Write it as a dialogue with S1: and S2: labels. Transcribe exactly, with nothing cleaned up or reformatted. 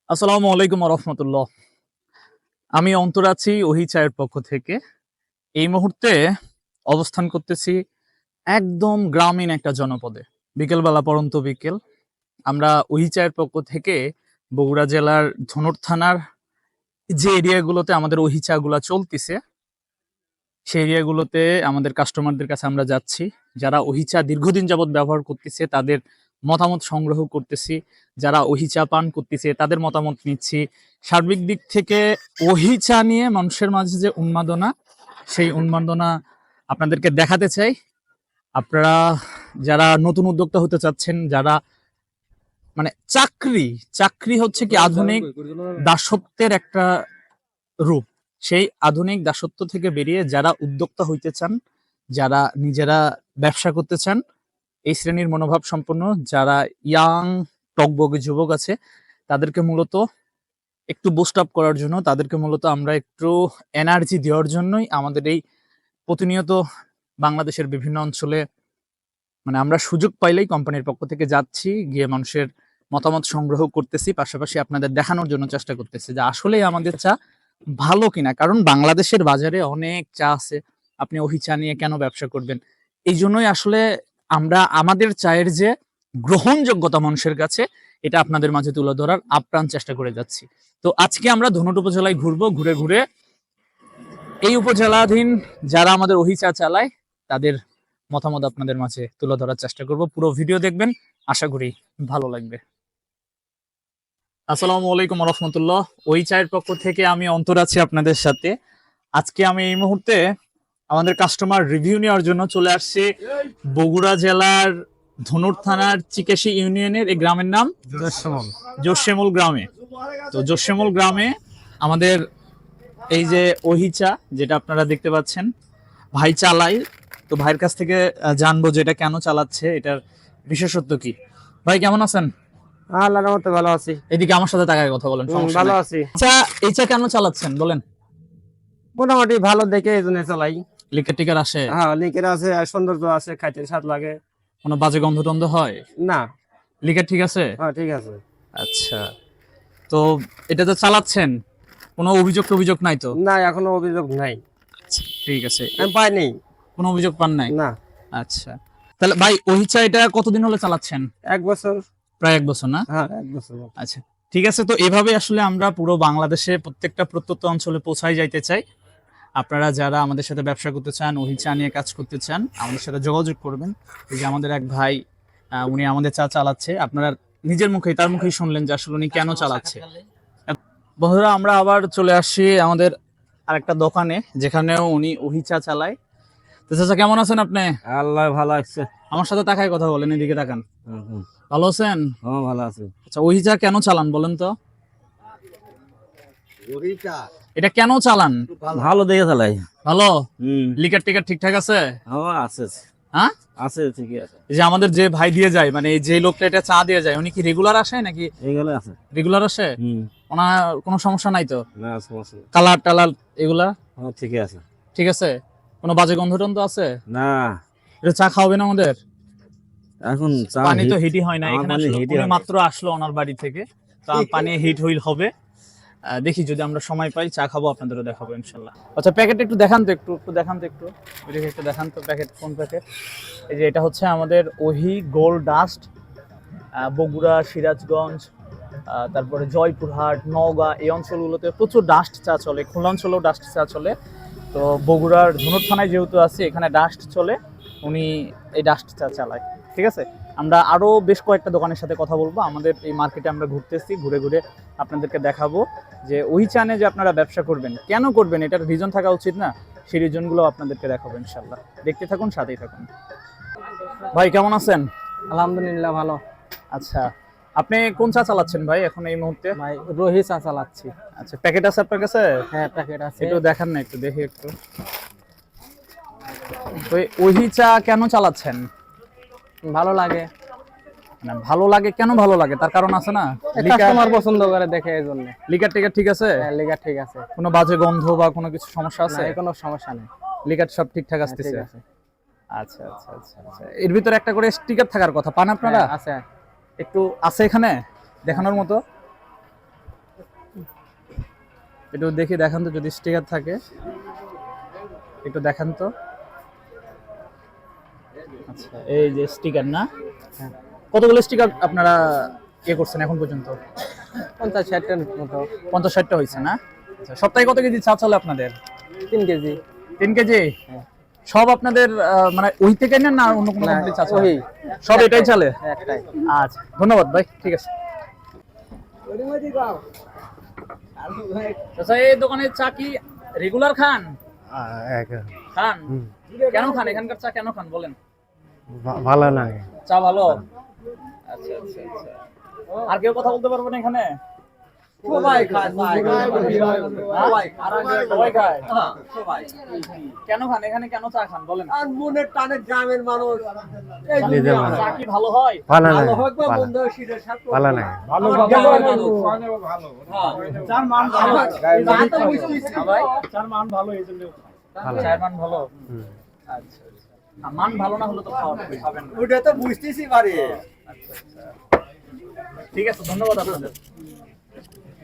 S1: আসসালামু আলাইকুম ওয়া রাহমাতুল্লাহ। আমি অন্তর আছি ওহি চায়ের পক্ষ থেকে। এই মুহূর্তে অবস্থান করতেছি একদম গ্রামীণ একটা জনপদে। বিকেলবেলা পড়ন্ত বিকেল। আমরা ওহি চায়ের পক্ষ থেকে বগুড়া জেলার ধনুর থানার যে এরিয়াগুলোতে আমাদের ওহি চাগুলা চলতিছে, সেই এরিয়াগুলোতে আমাদের কাস্টমারদের কাছে আমরা যাচ্ছি। যারা ওহি চা দীর্ঘদিন যাবৎ ব্যবহার করতেছে তাদের মতামত সংগ্রহ করতেছি। যারা ওহি চা পান করতেছে তাদের মতামত নিচ্ছি। সার্বিক দিক থেকে ওহি চা নিয়ে মানুষের মাঝে যে উন্মাদনা, সেই উন্মাদনা আপনাদেরকে দেখাতে চাই। আপনারা যারা নতুন উদ্যোক্তা হতে চাচ্ছেন, যারা মানে চাকরি, চাকরি হচ্ছে কি আধুনিক দাসত্বের একটা রূপ। সেই আধুনিক দাসত্ব থেকে বেরিয়ে যারা উদ্যোক্তা হইতে চান, যারা নিজেরা ব্যবসা করতে চান, এই শ্রেণীর মনোভাব সম্পন্ন যারা ইয়াং টকবগে যুবক আছে, তাদেরকে মূলত একটু বুস্ট আপ করার জন্য, তাদেরকে মূলত আমরা একটু এনার্জি দেওয়ার জন্যই আমাদের এই প্রতিনিয়ত বাংলাদেশের বিভিন্ন অঞ্চলে মানে আমরা সুযোগ পাইলেই কোম্পানির পক্ষ থেকে যাচ্ছি, গিয়ে মানুষের মতামত সংগ্রহ করতেছি, পাশাপাশি আপনাদের দেখানোর জন্য চেষ্টা করতেছি যে আসলেই আমাদের চা ভালো কিনা। কারণ বাংলাদেশের বাজারে অনেক চা আছে, আপনি ওহি চা নিয়ে কেন ব্যবসা করবেন? এই জন্যই আসলে আমরা আমাদের চায়ের যে গ্রহণযোগ্যতা মানুষের কাছে, এটা আপনাদের মাঝে তুলে ধরার আপ্রাণ চেষ্টা করে যাচ্ছি। তো আজকে আমরা ধনুট উপজেলায় ঘুরবো, ঘুরে ঘুরে এই উপজেলাধীন যারা আমাদের ওহি চা চালায় তাদের মতামত আপনাদের মাঝে তুলে ধরার চেষ্টা করব। পুরো ভিডিও দেখবেন, আশা করি ভালো লাগবে। আসসালামু আলাইকুম ওয়া রাহমাতুল্লাহ। ওই চায়ের পক্ষ থেকে আমি অন্তর আছি আপনাদের সাথে। আজকে আমি এই মুহূর্তে আমাদের কাস্টমার রিভিউ নেওয়ার জন্য চলে আসছি বগুড়া জেলার ধনুর থানার চিকেশি ইউনিয়নের এই গ্রামের নাম
S2: জোশেমল
S1: জোশেমল গ্রামে। তো জোশেমল গ্রামে আমাদের এই যে ওহি চা যেটা আপনারা দেখতে পাচ্ছেন, ভাই চালাই। তো ভাইয়ের কাছ থেকে আহ, জানবো যে এটা কেন চালাচ্ছে, এটার বিশেষত্ব কি। ভাই কেমন আছেন?
S2: আল্লাহর রহমতে ভালো আছি।
S1: এদিকে আমার সাথে তাকায় কথা বলেন,
S2: হুম,
S1: সমস্যা
S2: ভালো
S1: নাই।
S2: আছি।
S1: আচ্ছা, এই চা কেন চালাচ্ছেন বলেন?
S2: মোটামুটি ভালো দেখে এই জন্য চালাই।
S1: লিকার টিকার আসে?
S2: হ্যাঁ, লিকের আছে আর সৌন্দর্য আছে, খাইতে স্বাদ লাগে।
S1: কোনো বাজে গন্ধ টন্ধ হয়?
S2: না,
S1: লিকার ঠিক আছে?
S2: হ্যাঁ ঠিক আছে।
S1: আচ্ছা, তো এটা তো চালাচ্ছেন, কোনো অভিযোগ অভিযোগ নাই তো?
S2: না, এখনো অভিযোগ নাই।
S1: আচ্ছা, ঠিক আছে।
S2: আমি পাইনি।
S1: কোনো অভিযোগ পান নাই?
S2: না।
S1: আচ্ছা, তাহলে ভাই ওই চা এটা কতদিন হলো চালাচ্ছেন?
S2: এক বছর।
S1: প্রায় এক বছর না?
S2: হ্যাঁ, এক বছর।
S1: আচ্ছা, ঠিক আছে। তো এভাবে আসলে আমরা পুরো বাংলাদেশে প্রত্যেকটা প্রত্যন্ত অঞ্চলে পৌঁছাই যাইতে চাই। আপনারা যারা আমাদের সাথে ব্যবসা করতে চান, ওহি চা নিয়ে কাজ করতে চান, আমাদের সাথে যোগাযোগ করবেন। এই যে আমাদের এক ভাই, আহ, উনি আমাদের চা চালাচ্ছে। আপনারা নিজের মুখেই তার মুখেই শুনলেন যে আসলে উনি কেন চালাচ্ছে। বন্ধুরা, আমরা আবার চলে আসছি আমাদের আরেকটা দোকানে, যেখানেও উনি ওহি চা চালায়। তো চাচা কেমন আছেন আপনি?
S2: আল্লাহ ভালো আছে।
S1: আমার সাথে তাকায় কথা বলেন, এদিকে তাকান। ভালো আছেন?
S2: হ্যাঁ, ভালো আছে।
S1: আচ্ছা, ওহি চা কেন চালান বলেন তো? এটা কেন চালান?
S2: ভালো দেখে চালাই।
S1: ভালো?
S2: হুম,
S1: লিকার টিকার ঠিকঠাক আছে?
S2: হ্যাঁ আছে।
S1: হ্যাঁ,
S2: আছে, ঠিকই আছে।
S1: এই যে আমাদের যে ভাই দিয়ে যায়, মানে যে লোকটা এটা চা দিয়ে যায়, উনি কি রেগুলার আসে নাকি?
S2: এইগুলো আছে।
S1: রেগুলার আসে?
S2: হুম,
S1: ওনার কোনো সমস্যা নাই তো?
S2: না সমস্যা।
S1: কালার টালার এগুলা
S2: হ্যাঁ, ঠিকই আছে।
S1: ঠিক আছে? কোনো বাজে গন্ধ টন্ধ আছে?
S2: না,
S1: এটা চা খাওয়াবেন আমাদের?
S2: এখন চা
S1: পানি তো
S2: হিট-
S1: হিটই হয় না
S2: আমার
S1: এখানে,
S2: পানি
S1: আসলে
S2: হিটই
S1: উনি
S2: হয় না।
S1: মাত্র আসলো ওনার বাড়ি থেকে, তো পানি হিট হইল হবে। আহ, দেখি যদি আমরা সময় পাই চা খাবো, আপনাদেরও দেখাবো ইনশাল্লাহ। আচ্ছা, প্যাকেট একটু দেখান তো, একটু একটু দেখান তো, একটু ওইদিকে একটু দেখান তো প্যাকেট, কোন প্যাকেট? এই যে এটা হচ্ছে আমাদের ওহি গোল্ড ডাস্ট। বগুড়া, সিরাজগঞ্জ, আহ, তারপরে জয়পুরহাট, নওগাঁ, এই অঞ্চলগুলোতে প্রচুর ডাস্ট চা চলে। খুলনা অঞ্চলেও ডাস্ট চা চলে। তো বগুড়ার ধনুর থানায় যেহেতু আছে, এখানে ডাস্ট চলে, উনি এই ডাস্ট চা চালায়। ঠিক আছে, আমরা আরো বেশ কয়েকটা দোকানের সাথে কথা বলবো। আমাদের এই মার্কেটে আমরা ঘুরতেছি, ঘুরে ঘুরে আপনাদেরকে দেখাবো যে ওই চানে যে আপনারা ব্যবসা করবেন, কেন করবেন, এটার রিজন থাকা উচিত না, সেই রিজনগুলো আপনাদেরকে দেখাবো ইনশাল্লাহ। দেখতে থাকুন, সাথেই থাকুন। ভাই কেমন আছেন?
S2: আলহামদুলিল্লাহ ভালো।
S1: আচ্ছা, আপনি কোন চা চালাচ্ছেন ভাই এখন এই মুহূর্তে?
S2: ভাই রোহি চা চালাচ্ছি।
S1: আচ্ছা, প্যাকেট আছে আপনার কাছে?
S2: হ্যাঁ, প্যাকেট আছে।
S1: একটু দেখান না, একটু দেখি একটু। তো এই ওহি চা কেন চালাচ্ছেন?
S2: ভালো লাগে।
S1: না, ভালো লাগে কেন? ভালো লাগে তার কারণ আছে না?
S2: কাস্টমার পছন্দ করে দেখে এই জন্য।
S1: লিকার টিকার ঠিক আছে?
S2: হ্যাঁ, লিগার ঠিক আছে।
S1: কোনো বাজে গন্ধ বা কোনো কিছু সমস্যা
S2: না,
S1: আছে?
S2: এর কোনো সমস্যা নেই।
S1: লিকার সব ঠিকঠাক
S2: হ্যাঁ,
S1: আসতেছে?
S2: ঠিক আছে।
S1: আচ্ছা আচ্ছা আচ্ছা আচ্ছা। এর ভিতরে একটা করে স্টিকার থাকার কথা, পান আপনারা?
S2: হ্যাঁ, আছে।
S1: একটু আছে এখানে দেখানোর মতো? একটু দেখি, দেখান তো যদি স্টিকার থাকে, একটু দেখান তো। আচ্ছা, এই যে স্টিকার না,
S2: হ্যাঁ।
S1: কতগুলো স্টিকার আপনারা ইয়ে করছেন এখন পর্যন্ত?
S2: পঞ্চাশ ষাটটার মতো।
S1: পঞ্চাশ ষাটটা হয়েছে না? আচ্ছা, সপ্তাহে কত কেজি চা চলে আপনাদের?
S2: তিন কেজি।
S1: তিন কেজি?
S2: হ্যাঁ।
S1: সব আপনাদের আহ, মানে ওই থেকে নেন না আর অন্য কোনো
S2: না,
S1: কোম্পানি চা চলে?
S2: ওই।
S1: সব এটাই চলে?
S2: একটাই।
S1: আচ্ছা, ধন্যবাদ ভাই, ঠিক আছে। আচ্ছা, এই দোকানের চা কি রেগুলার খান? খান? কেন খান এখানকার চা, কেন খান বলেন?
S3: ভালো লাগে।
S1: চা ভালো? আচ্ছা আচ্ছা আচ্ছা। আর কেউ কথা বলতে পারবেন এখানে?
S4: সবাই খায়, সবাই খায়।
S1: সবাই খায়?
S4: হ্যাঁ, সবাই।
S1: কেন খান এখানে, কেন চা খান বলেন?
S4: আর মনের টানে গ্রামের মানুষ এই
S3: নিজে
S4: দুনিয়া
S3: ভালো।
S1: চা কি ভালো হয়?
S3: ভালো
S4: ভালো
S3: লাগে।
S4: হোক বা
S3: ভালো।
S4: মন্দ হোক, শীতের সাথে
S3: ভালো লাগে।
S4: ভালো গ্রামের মানুষ। হ্যাঁ।
S1: চার মান ভালো।
S4: তা তো বুঝতেছি।
S1: ভাই
S3: ভালো।
S1: চায়ের মান ভালো?
S3: হুম।
S1: আচ্ছা আচ্ছা। আর মান ভালো না হলে তো খাওয়া- খাবেন না।
S4: ওটা তো বুঝতেছি পারি।
S1: আচ্ছা আচ্ছা। ঠিক আছে, ধন্যবাদ আপনাদের।